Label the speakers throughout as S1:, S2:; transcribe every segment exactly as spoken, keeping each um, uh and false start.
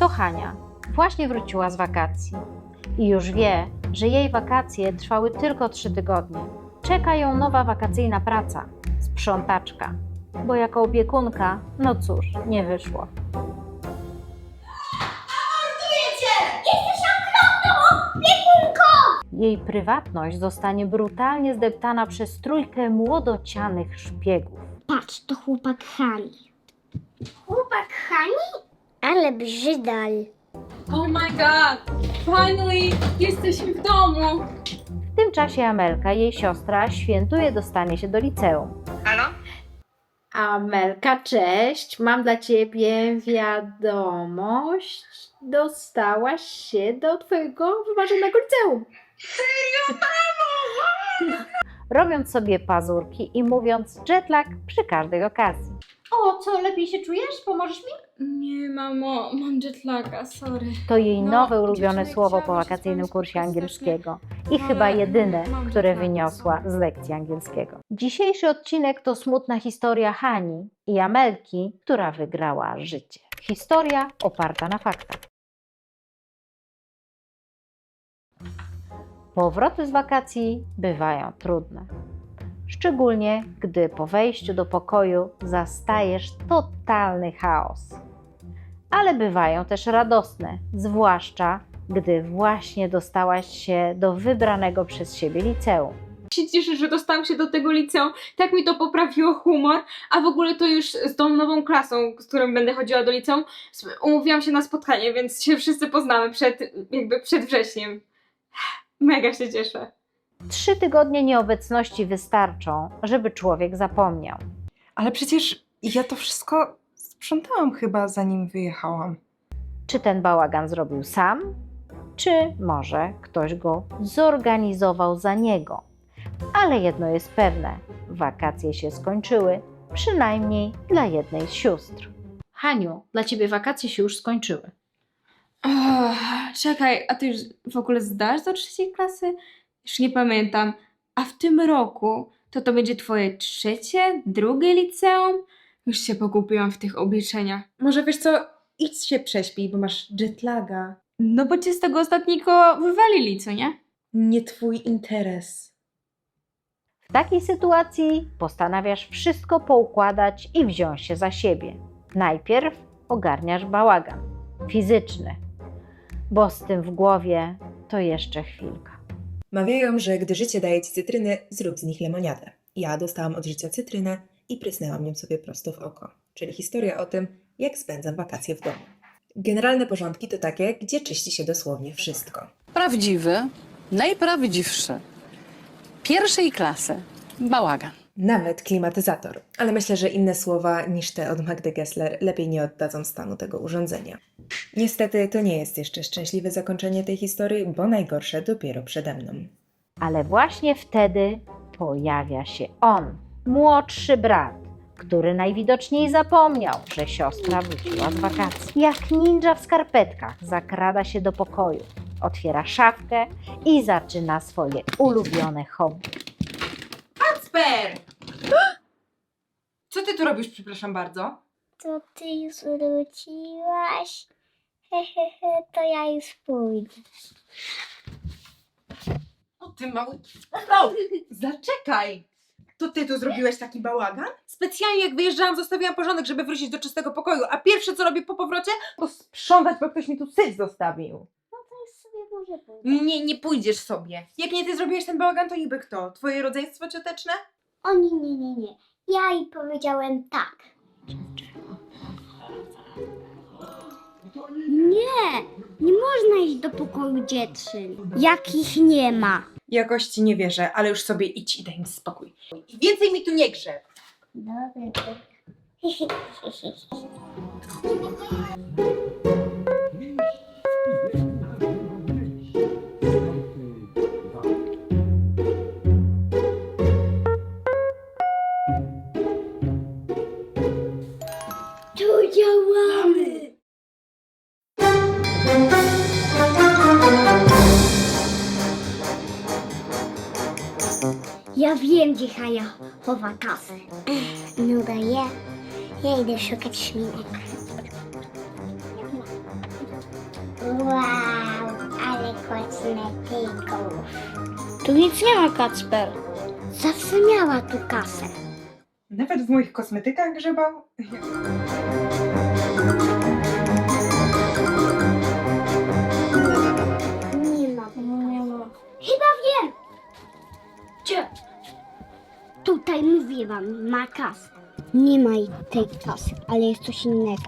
S1: To Hania. Właśnie wróciła z wakacji i już wie, że jej wakacje trwały tylko trzy tygodnie. Czeka ją nowa wakacyjna praca, sprzątaczka, bo jako opiekunka, no cóż, nie wyszło. Jej prywatność zostanie brutalnie zdeptana przez trójkę młodocianych szpiegów.
S2: Patrz, to chłopak Hani. Chłopak Hani? Ale brzydal.
S3: Oh my god! Finally! Jesteśmy w domu!
S1: W tym czasie Amelka, jej siostra, świętuje dostanie się do liceum.
S3: Halo?
S1: Amelka, cześć. Mam dla ciebie wiadomość. Dostałaś się do twojego wymarzonego liceum.
S3: Serio? Brawo!
S1: Robiąc sobie pazurki i mówiąc jetlag przy każdej okazji. O, co, lepiej się czujesz? Pomożesz mi?
S3: Nie, mamo, mam jetlaga, sorry.
S1: To jej
S3: No,
S1: nowe ulubione
S3: dziewczyny,
S1: słowo po
S3: chciałabym się
S1: wakacyjnym
S3: z wami
S1: kursie
S3: spotkać
S1: angielskiego i
S3: ale
S1: chyba jedyne,
S3: mam
S1: które
S3: jetlag.
S1: wyniosła z lekcji angielskiego. Dzisiejszy odcinek to smutna historia Hani i Amelki, która wygrała życie. Historia oparta na faktach. Powroty z wakacji bywają trudne. Szczególnie, gdy po wejściu do pokoju zastajesz totalny chaos. Ale bywają też radosne, zwłaszcza gdy właśnie dostałaś się do wybranego przez siebie liceum.
S3: Się cieszę, że dostałam się do tego liceum, tak mi to poprawiło humor, a w ogóle to już z tą nową klasą, z którą będę chodziła do liceum, umówiłam się na spotkanie, więc się wszyscy poznamy przed, jakby przed wrześniem. Mega się cieszę.
S1: Trzy tygodnie nieobecności wystarczą, żeby człowiek zapomniał.
S4: Ale przecież ja to wszystko sprzątałam chyba, zanim wyjechałam.
S1: Czy ten bałagan zrobił sam, czy może ktoś go zorganizował za niego. Ale jedno jest pewne, wakacje się skończyły, przynajmniej dla jednej z sióstr. Haniu, dla ciebie wakacje się już skończyły.
S3: Oh, czekaj, a ty już w ogóle zdasz do trzeciej klasy? Już nie pamiętam. A w tym roku to to będzie twoje trzecie, drugie liceum? Już się pogubiłam w tych obliczeniach.
S4: Może wiesz co, idź się prześpij, bo masz jetlaga.
S3: No bo cię z tego ostatniego wywalili, co nie?
S4: Nie twój interes.
S1: W takiej sytuacji postanawiasz wszystko poukładać i wziąć się za siebie. Najpierw ogarniasz bałagan fizyczny, bo z tym w głowie to jeszcze chwilka.
S5: Mawiają, że gdy życie daje ci cytryny, zrób z nich lemoniadę. Ja dostałam od życia cytrynę i prysnęłam nią sobie prosto w oko. Czyli historia o tym, jak spędzam wakacje w domu. Generalne porządki to takie, gdzie czyści się dosłownie wszystko.
S6: Prawdziwy, najprawdziwszy. Pierwszej klasy. Bałagan.
S5: Nawet klimatyzator. Ale myślę, że inne słowa niż te od Magdy Gessler lepiej nie oddadzą stanu tego urządzenia. Niestety to nie jest jeszcze szczęśliwe zakończenie tej historii, bo najgorsze dopiero przede mną.
S1: Ale właśnie wtedy pojawia się on, młodszy brat, który najwidoczniej zapomniał, że siostra wróciła z wakacji. Jak ninja w skarpetkach zakrada się do pokoju, otwiera szafkę i zaczyna swoje ulubione hobby.
S4: Kacper! Co ty tu robisz, przepraszam bardzo?
S2: To ty już wróciłaś? Hehehe, to ja już pójdę.
S4: O ty mały... No, zaczekaj! To ty tu zrobiłeś taki bałagan? Specjalnie jak wyjeżdżałam, zostawiłam porządek, żeby wrócić do czystego pokoju, a pierwsze co robię po powrocie, to sprzątać, bo ktoś mi tu syć zostawił.
S2: No to już sobie może pójdę.
S4: Nie, nie pójdziesz sobie. Jak nie ty zrobiłeś ten bałagan, to niby kto? Twoje rodzeństwo cioteczne?
S2: O nie, nie, nie, nie. Ja jej powiedziałem tak. Nie, nie można iść do pokoju dziewczyn. Jakich nie ma.
S4: Jakoś ci nie wierzę, ale już sobie idź i daj mi spokój. I więcej mi tu nie grzeb.
S2: Dobra. To działamy. Ja wiem, gdzie Hania chowa kasę. No daję. Ja idę szukać szminek. Wow, ale kosmetyków. Tu nic nie ma, Kacper. Zawsze miała tu kasę.
S4: Nawet w moich kosmetykach grzebał?
S2: Nie ma. Nie ma. Chyba wiem. Gdzie? Tutaj mówię wam, ma kasę. Nie ma jej tej kasy, ale jest coś innego.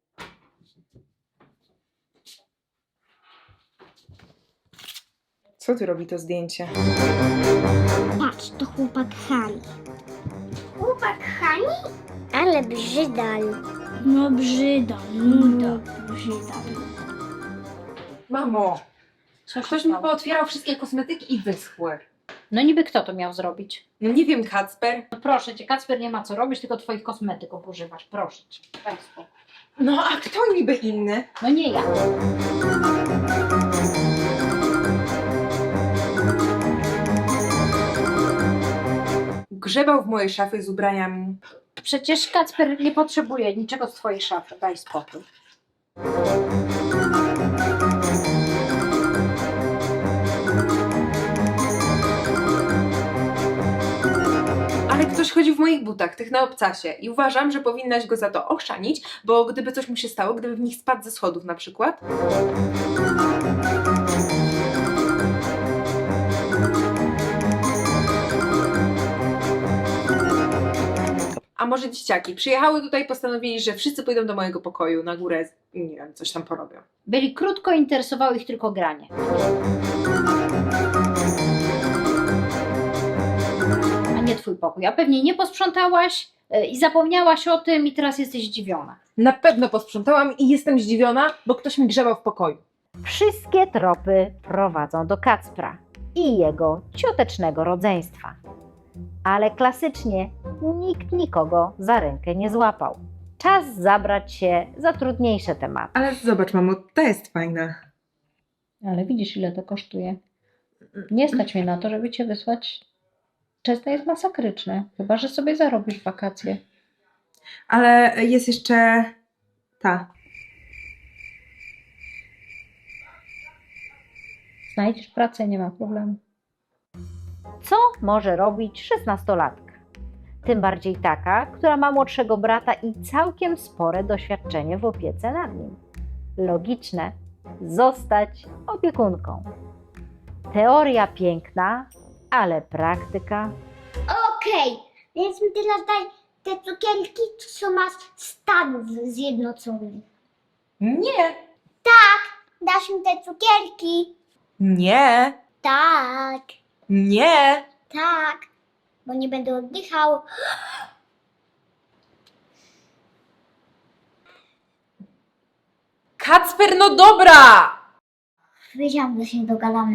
S4: Co tu robi to zdjęcie?
S2: Patrz, to chłopak Hani. Chłopak Hani? Ale brzydal. No brzydal, no brzydal.
S4: Mamo,
S1: Co
S4: ktoś mi pootwierał wszystkie kosmetyki i wyschły.
S1: No niby kto to miał zrobić?
S4: No nie wiem, Kacper.
S1: No proszę cię, Kacper nie ma co robić, tylko twoich kosmetyków używasz. Proszę cię. Daj spokój.
S4: No a kto niby inny?
S1: No nie ja.
S4: Grzebał w mojej szafie z ubraniami.
S1: Przecież Kacper nie potrzebuje niczego z twojej szafy. Daj spokój.
S4: Ale ktoś chodzi w moich butach, tych na obcasie i uważam, że powinnaś go za to ochrzanić, bo gdyby coś mu się stało, gdyby w nich spadł ze schodów na przykład. A może dzieciaki przyjechały tutaj i postanowili, że wszyscy pójdą do mojego pokoju na górę, nie wiem, coś tam porobią.
S1: Byli krótko, interesowało ich tylko granie. A nie twój pokój. A pewnie nie posprzątałaś y, i zapomniałaś o tym i teraz jesteś zdziwiona.
S4: Na pewno posprzątałam i jestem zdziwiona, bo ktoś mi grzebał w pokoju.
S1: Wszystkie tropy prowadzą do Kacpra i jego ciotecznego rodzeństwa. Ale klasycznie nikt nikogo za rękę nie złapał. Czas zabrać się za trudniejsze tematy.
S4: Ale zobacz, mamo, ta jest fajna.
S1: Ale widzisz, ile to kosztuje. Nie stać mnie na to, żeby cię wysłać. Często jest masakryczne, chyba że sobie zarobisz wakacje.
S4: Ale jest jeszcze ta.
S1: Znajdziesz pracę, nie ma problemu. Co może robić szesnastolatka? Tym bardziej taka, która ma młodszego brata i całkiem spore doświadczenie w opiece nad nim. Logiczne, zostać opiekunką. Teoria piękna, ale praktyka.
S2: Okej, więc mi teraz daj te cukierki, co masz z Stanów Zjednoczonych.
S4: Nie.
S2: Dasz mi te cukierki?
S4: Nie.
S2: Tak,
S4: Nie.
S2: tak, bo nie będę oddychał.
S4: Kacper, no dobra!
S2: Wiedziałam, że się dogadamy.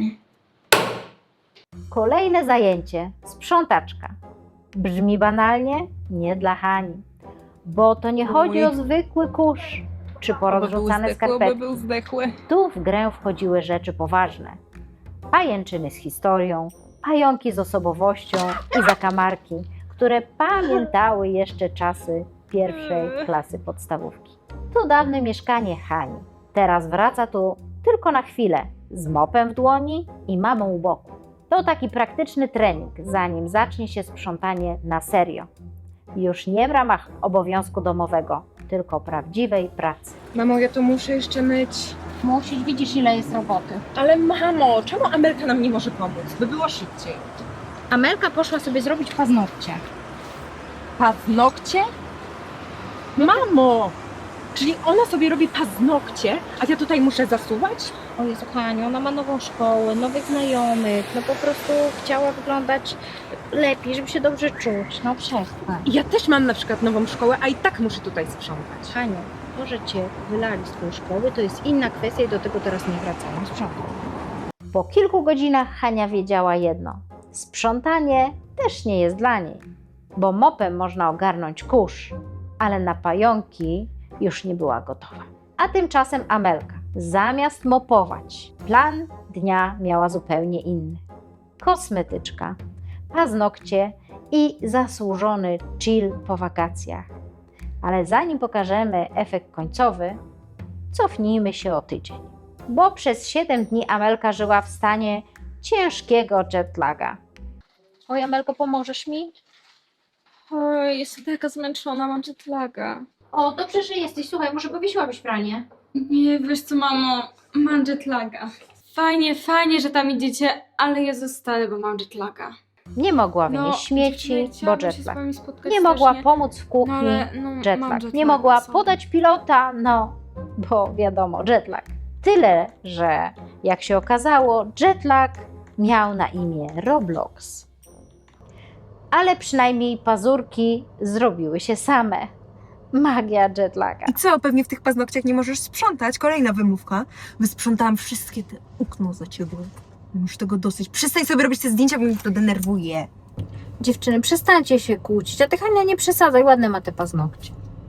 S1: Kolejne zajęcie, sprzątaczka. Brzmi banalnie? Nie dla Hani. Bo to nie chodzi o zwykły kurz czy porozrzucane skarpetki.
S4: był zdechły.
S1: Tu w grę wchodziły rzeczy poważne. Pajęczyny z historią, pająki z osobowością i zakamarki, które pamiętały jeszcze czasy pierwszej klasy podstawówki. To dawne mieszkanie Hani. Teraz wraca tu tylko na chwilę, z mopem w dłoni i mamą u boku. To taki praktyczny trening, zanim zacznie się sprzątanie na serio. Już nie w ramach obowiązku domowego, tylko prawdziwej pracy.
S4: Mamo, ja to muszę jeszcze myć.
S1: Musisz, widzisz, ile jest roboty.
S4: Ale mamo, czemu Amelka nam nie może pomóc? By było szybciej.
S1: Amelka poszła sobie zrobić paznokcie.
S4: Paznokcie? Mamo! Czyli ona sobie robi paznokcie, a ja tutaj muszę zasuwać?
S1: O Jezu, Haniu, ona ma nową szkołę, nowych znajomych, no po prostu chciała wyglądać lepiej, żeby się dobrze czuć. No przestań.
S4: I ja też mam na przykład nową szkołę, a i tak muszę tutaj sprzątać.
S1: Haniu, to, że cię wylali z twojej szkoły, to jest inna kwestia i do tego teraz nie wracamy. Sprzątaj. Po kilku godzinach Hania wiedziała jedno. Sprzątanie też nie jest dla niej, bo mopem można ogarnąć kurz, ale na pająki już nie była gotowa. A tymczasem Amelka, zamiast mopować, plan dnia miała zupełnie inny. Kosmetyczka, paznokcie i zasłużony chill po wakacjach. Ale zanim pokażemy efekt końcowy, cofnijmy się o tydzień. bo przez siedem dni Amelka żyła w stanie ciężkiego jetlaga. Oj, Amelko, pomożesz mi?
S3: Oj, jestem taka zmęczona, mam jetlaga.
S1: O, dobrze, że jesteś. Słuchaj, może powiesiłabyś pranie?
S3: Nie, wiesz co, mamo, mam jetlaga. Fajnie, fajnie, że tam idziecie, ale ja zostanę, bo mam jetlaga.
S1: Nie mogła
S3: No,
S1: wynieść śmieci,
S3: dziewczyny,
S1: bo
S3: chciałabym się z
S1: jetlag.
S3: wami spotkać
S1: Nie mogła
S3: strasznie.
S1: pomóc w kuchni,
S3: No ale, no, mam
S1: jetlag. Nie
S3: jetlaga,
S1: mogła
S3: sorry.
S1: podać pilota, no, bo wiadomo, jetlag. Tyle, że jak się okazało, jetlag miał na imię Roblox. Ale przynajmniej pazurki zrobiły się same. Magia jetlaga.
S4: I co, pewnie w tych paznokciach nie możesz sprzątać? Kolejna wymówka. Wysprzątałam wszystkie te okno za ciebie. Już tego dosyć. Przestań sobie robić te zdjęcia, bo mnie to denerwuje.
S1: Dziewczyny, przestańcie się kłócić, a ty, Hania, nie przesadzaj, ładne ma te paznokcie.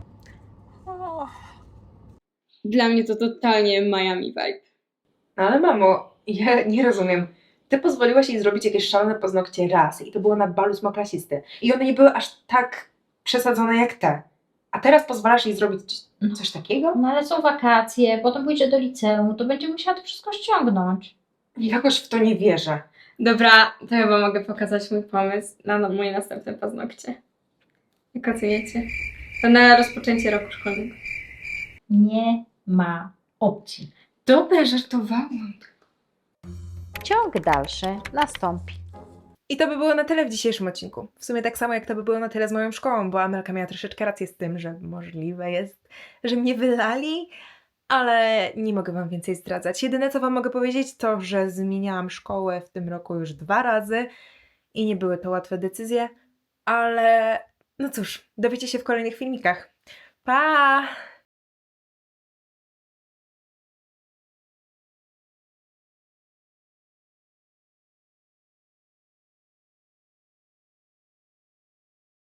S3: Dla mnie to totalnie Miami vibe.
S5: Ale mamo, ja nie rozumiem. Ty pozwoliłaś jej zrobić jakieś szalone paznokcie raz i to było na balu smoklasisty. I one nie były aż tak przesadzone jak te. A teraz pozwalasz jej zrobić coś takiego?
S1: No ale są wakacje, potem pójdzie do liceum, to będzie musiała to wszystko ściągnąć.
S5: Jakoś w to nie wierzę.
S3: Dobra, to chyba mogę pokazać mój pomysł na no- moje następne paznokcie. Jak oceniacie? To na rozpoczęcie roku szkolnego.
S1: Nie ma opcji.
S3: Dobra, żartowałam.
S1: Ciąg dalszy nastąpi.
S5: I to by było na tyle w dzisiejszym odcinku. W sumie tak samo jak to by było na tyle z moją szkołą, bo Amelka miała troszeczkę rację z tym, że możliwe jest, że mnie wylali, ale nie mogę wam więcej zdradzać. Jedyne co wam mogę powiedzieć to, że zmieniałam szkołę w tym roku już dwa razy i nie były to łatwe decyzje, ale no cóż, dowiecie się w kolejnych filmikach. Pa!